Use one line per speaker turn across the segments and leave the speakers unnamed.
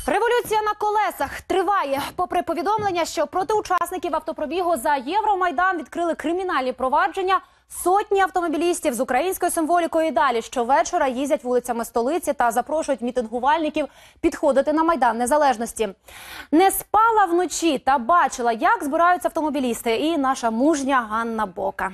Революція на колесах триває. Попри повідомлення, що проти учасників автопробігу за Євромайдан відкрили кримінальні провадження, сотні автомобілістів з українською символікою і далі щовечора їздять вулицями столиці та запрошують мітингувальників підходити на Майдан Незалежності. Не спала вночі та бачила, як збираються автомобілісти, і наша мужня Ганна Бока.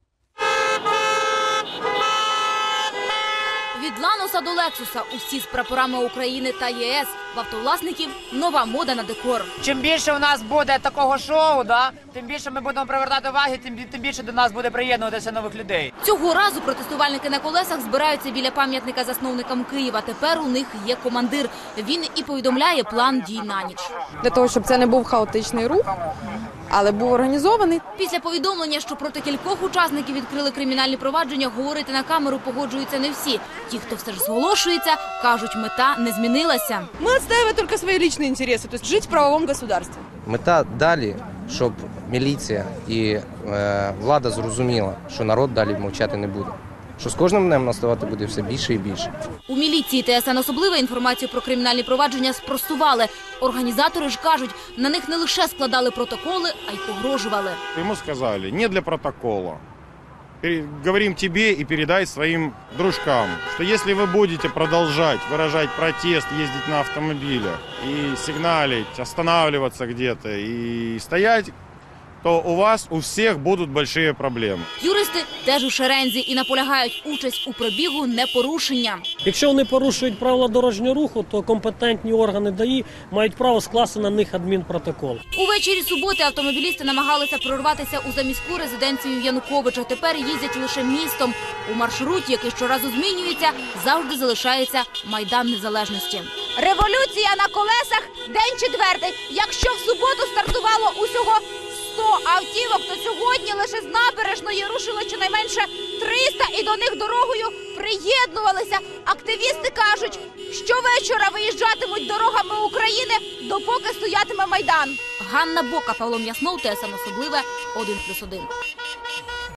Від Лануса до Лексуса усі з прапорами України та ЄС. В автовласників нова мода на декор.
Чим більше у нас буде такого шоу, тим більше ми будемо привертати уваги, тим більше до нас буде приєднуватися нових людей.
Цього разу протестувальники на колесах збираються біля пам'ятника засновникам Києва. Тепер у них є командир. Він і повідомляє план дій на ніч.
Для того, щоб це не був хаотичний рух, але був організований.
Після повідомлення, що проти кількох учасників відкрили кримінальні провадження, говорити на камеру погоджуються не всі. Ті, хто все ж зголошується, кажуть, мета не змінилася.
Ми відстоюємо тільки свої власні інтереси, тобто жити в правовому государстві.
Мета далі, щоб міліція і влада зрозуміла, що народ далі мовчати не буде. Що з кожним днем наставати буде все більше і більше.
У міліції ТСН особливо інформацію про кримінальні провадження спростували. Організатори ж кажуть, на них не лише складали протоколи, а й погрожували.
Ему сказали, не для протокола. Говорим тебе и передай своим дружкам, что если вы будете продолжать выражать протест, ездить на автомобилях и сигналить, останавливаться где-то и стоять, то у вас у всіх будуть великі проблеми.
Юристи теж у шерензі і наполягають, участь у пробігу – не порушення.
Якщо вони порушують правила дорожнього руху, то компетентні органи ДАІ мають право скласти на них адмінпротокол.
Увечері суботи автомобілісти намагалися прорватися у заміську резиденцію Януковича. Тепер їздять лише містом. У маршруті, який щоразу змінюється, завжди залишається Майдан Незалежності.
Революція на колесах – день четвертий. Якщо в суботу стартувало усього 100 автівок, то сьогодні лише з набережної рушило щонайменше 300 і до них дорогою приєднувалися. Активісти кажуть, щовечора виїжджатимуть дорогами України, допоки стоятиме Майдан.
Ганна Бока, Павло М'яснов, ТСН особливе, 1+1.